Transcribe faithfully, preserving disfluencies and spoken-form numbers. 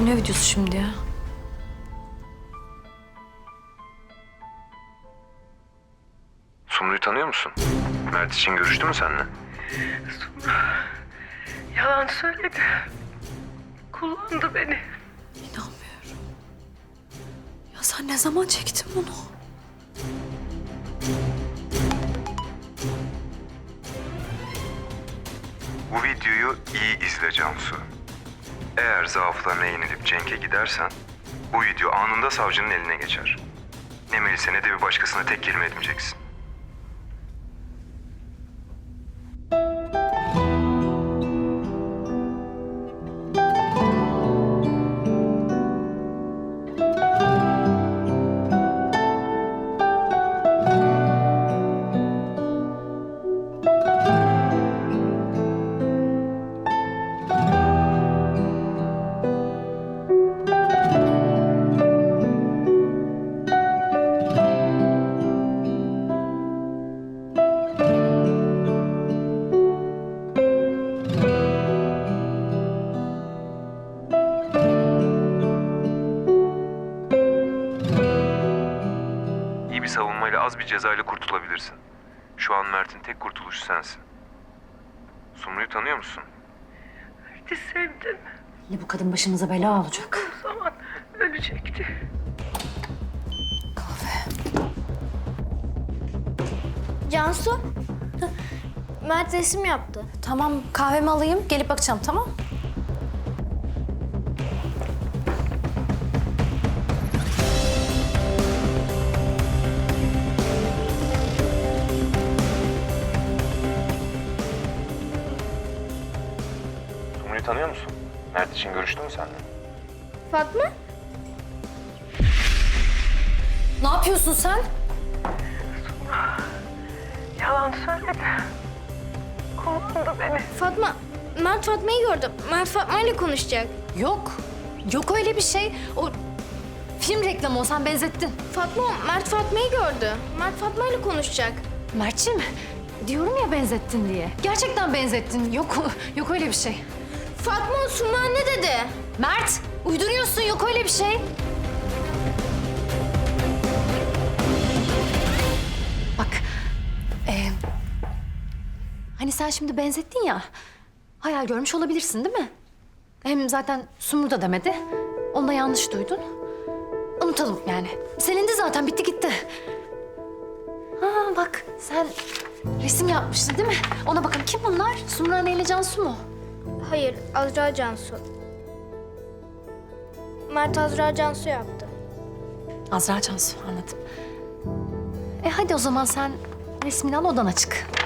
Ne videosu şimdi ya? Sumru'yu tanıyor musun? Mert için görüştü mü seninle? Yalan söyledi. Kullandı beni. İnanmıyorum. Ya sen ne zaman çektin bunu? Bu videoyu iyi izle Cansu. Eğer zaaflarına yenilip Cenk'e gidersen bu video anında savcının eline geçer. Ne Melis'e ne de bir başkasına tek kelime etmeyeceksin. İyi bir savunmayla az bir cezayla kurtulabilirsin. Şu an Mert'in tek kurtuluşu sensin. Sumru'yu tanıyor musun? Mert'i sevdim. Yine bu kadın başımıza bela olacak. O zaman ölecekti. Cansu, Mert resim yaptı. Tamam, kahvemi alayım, gelip bakacağım, tamam? Sumru'yu tanıyor musun? Mert için görüştü mü seninle? Fatma? Ne yapıyorsun sen? Yalan söyledi. Kullandı beni. Fatma, Mert Fatma'yı gördü. Mert Fatma ile konuşacak. Yok, yok öyle bir şey. O film reklamı o, sen benzettin. Fatma, Mert Fatma'yı gördü. Mert Fatma ile konuşacak. Mert'ciğim, diyorum ya benzettin diye. Gerçekten benzettin. Yok, yok öyle bir şey. Fatma, Sumru anne dedi. Mert, uyduruyorsun, yok öyle bir şey. Bak, e, hani sen şimdi benzettin ya, hayal görmüş olabilirsin değil mi? Hem zaten Sumru da demedi, onu da yanlış duydun. Unutalım yani. Selindi zaten, bitti gitti. Ha bak, sen resim yapmıştın değil mi? Ona bakın, kim bunlar? Sumru Anne ile Cansu mu? Hayır, Azra Cansu. Mert Azra Cansu yaptı. Azra Cansu, anladım. E hadi o zaman sen resmini al, odana çık.